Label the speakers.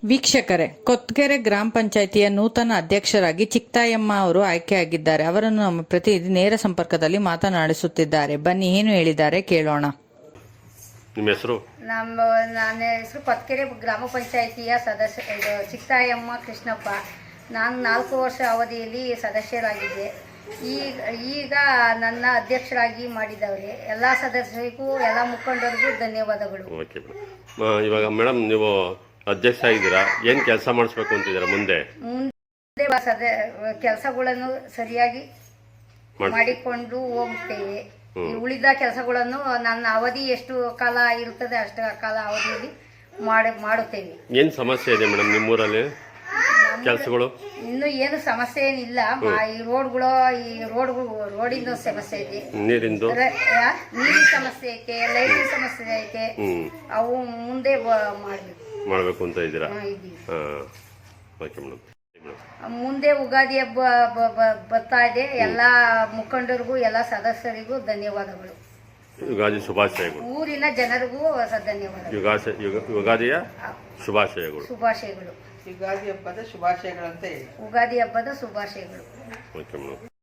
Speaker 1: ವೀಕ್ಷಕರೇ, ಕೊತ್ಗೆರೆ ಗ್ರಾಮ ಪಂಚಾಯಿತಿಯ ನೂತನ ಅಧ್ಯಕ್ಷರಾಗಿ ಚಿಕ್ತಾಯಮ್ಮ ಅವರು ಆಯ್ಕೆಯಾಗಿದ್ದಾರೆ. ಅವರನ್ನು ನಮ್ಮ ಪ್ರತಿನಿಧಿ ನೇರ ಸಂಪರ್ಕದಲ್ಲಿ ಮಾತನಾಡಿಸುತ್ತಿದ್ದಾರೆ. ಬನ್ನಿ, ಏನು ಹೇಳಿದ್ದಾರೆ ಕೇಳೋಣ.
Speaker 2: ನಿಮ್ಮ ಹೆಸರು?
Speaker 3: ನನ್ನ ಹೆಸರು ಕೊತ್ಗೆರೆ ಗ್ರಾಮ ಪಂಚಾಯಿತಿಯ ಸದಸ್ಯ ಚಿಕ್ತಾಯಮ್ಮ ಕೃಷ್ಣಪ್ಪ. ನಾನು 4 ವರ್ಷ ಅವಧಿಯಲ್ಲಿ ಸದಸ್ಯರಾಗಿದ್ದೆ. ಈಗ ನನ್ನ ಅಧ್ಯಕ್ಷರಾಗಿ ಮಾಡಿದವರೇ ಎಲ್ಲ ಸದಸ್ಯರಿಗೂ ಎಲ್ಲ ಮುಖಂಡರಿಗೂ ಧನ್ಯವಾದಗಳು.
Speaker 2: Okay madam. ಇವಾಗ ಮೇಡಮ್, ನೀವು ಅಧ್ಯಕ್ಷ ಆಗಿದ್ದೀರಾ, ಏನು ಕೆಲಸ ಮಾಡಿಸ್ಬೇಕು ಅಂತಿದ್ದೀರಾ ಮುಂದೆ?
Speaker 3: ಕೆಲಸಗಳನ್ನು ಸರಿಯಾಗಿ ಮಾಡಿಕೊಂಡು ಹೋಗುತ್ತೇವೆ. ಉಳಿದ ಕೆಲಸಗಳನ್ನು ನನ್ನ ಅವಧಿ ಎಷ್ಟು ಕಾಲ ಇರುತ್ತದೆ ಅಷ್ಟು ಕಾಲ ಅವಧಿಯಲ್ಲಿ ಮಾಡುತ್ತೇವೆ.
Speaker 2: ಏನು ಸಮಸ್ಯೆ ಇದೆ ಮೇಡಮ್ ನಿಮ್ಮೂರಲ್ಲಿ ಕೆಲಸಗಳು?
Speaker 3: ಇನ್ನು ಏನು ಸಮಸ್ಯೆ ಏನಿಲ್ಲ. ಈ ರೋಡಿಂದ ಸಮಸ್ಯೆ ಇದೆ, ನೀರಿನ ಸಮಸ್ಯೆ ಐತೆ, ಲೈಟಿನ ಸಮಸ್ಯೆ ಐತೆ. ಅವು ಮುಂದೆ
Speaker 2: ಮಾಡಬೇಕು ಅಂತ ಇದ್ದೀರಾ? Okay madam.
Speaker 3: ಮುಂದೆ ಯುಗಾದಿ ಹಬ್ಬ ಬರ್ತಾ ಇದೆ. ಎಲ್ಲ ಮುಖಂಡರಿಗೂ ಎಲ್ಲ ಸದಸ್ಯರಿಗೂ ಧನ್ಯವಾದಗಳು.
Speaker 2: ಯುಗಾದಿ ಶುಭಾಶಯಗಳು.
Speaker 3: ಊರಿನ ಜನರಿಗೂ ಧನ್ಯವಾದಗಳು.
Speaker 2: ಯುಗಾದಿಯ ಶುಭಾಶಯಗಳು.
Speaker 3: ಶುಭಾಶಯಗಳು.
Speaker 4: ಯುಗಾದಿ ಹಬ್ಬದ ಶುಭಾಶಯಗಳು ಅಂತ ಹೇಳಿ.
Speaker 3: ಯುಗಾದಿ ಹಬ್ಬದ ಶುಭಾಶಯಗಳು.
Speaker 2: Okay madam.